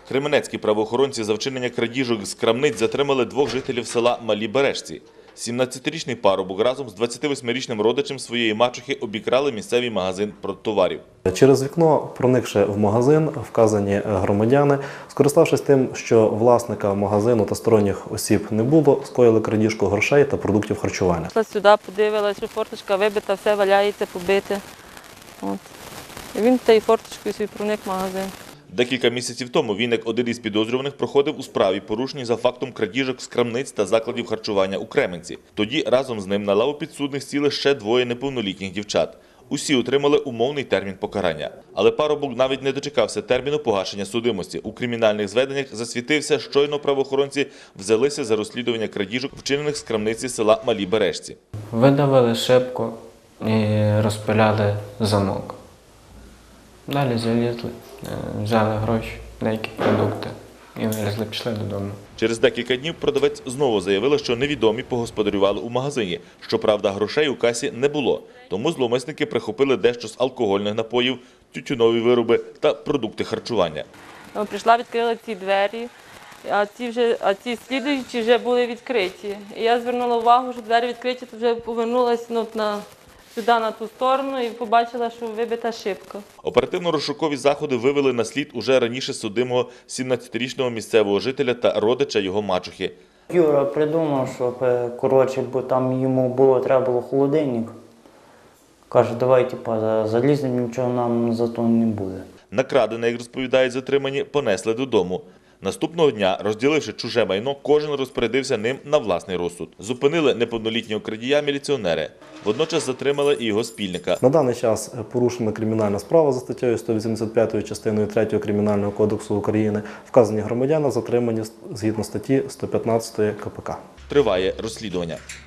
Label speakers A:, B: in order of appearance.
A: Кременецькі правоохоронці за вчинення крадіжок з крамниць затримали двох жителів села Малі Бережці. 17-річний парубок разом з 28-річним родичем своєї мачухи обікрали місцевий магазин продтоварів.
B: Через вікно, проникши в магазин, вказані громадяни, скориставшись тим, що власника магазину та сторонніх осіб не було, скоїли крадіжку грошей та продуктів харчування.
C: Пішла сюди, подивилася, що форточка вибита, все валяється, побите. От. І він тією форточкою собі проник в магазин.
A: Декілька місяців тому він, як один із підозрюваних, проходив у справі, порушеній за фактом крадіжок з крамниць та закладів харчування у Кременці. Тоді разом з ним на лаву підсудних сіли ще двоє неповнолітніх дівчат. Усі отримали умовний термін покарання. Але парубок навіть не дочекався терміну погашення судимості. У кримінальних зведеннях засвітився, щойно правоохоронці взялися за розслідування крадіжок, вчинених з крамниці села Малі Бережці.
D: Видавили шибку і розпиляли замок. Далі залізли, взяли гроші, деякі продукти і вилізли, пішли додому.
A: Через декілька днів продавець знову заявила, що невідомі погосподарювали у магазині. Щоправда, грошей у касі не було. Тому зловмисники прихопили дещо з алкогольних напоїв, тютюнові вироби та продукти харчування.
C: Прийшла, відкрила ці двері, а ці слідуючі вже були відкриті. І я звернула увагу, що двері відкриті, то вже повернулася сюди, на ту сторону, і побачила, що вибита шибка.
A: Оперативно-розшукові заходи вивели на слід уже раніше судимого 17-річного місцевого жителя та родича його мачухи.
E: Юра придумав, щоб, бо там йому треба було холодильник. Каже, давай, заліземо, нічого нам за то не буде.
A: Накрадене, як розповідають затримані, понесли додому. Наступного дня, розділивши чуже майно, кожен розпорядився ним на власний розсуд. Зупинили неповнолітнього крадія міліціонери. Водночас затримали і його спільника.
B: На даний час порушена кримінальна справа за статтею 185 частиною 3 Кримінального кодексу України. Вказані громадяни затримані згідно статті 115 КПК.
A: Триває розслідування.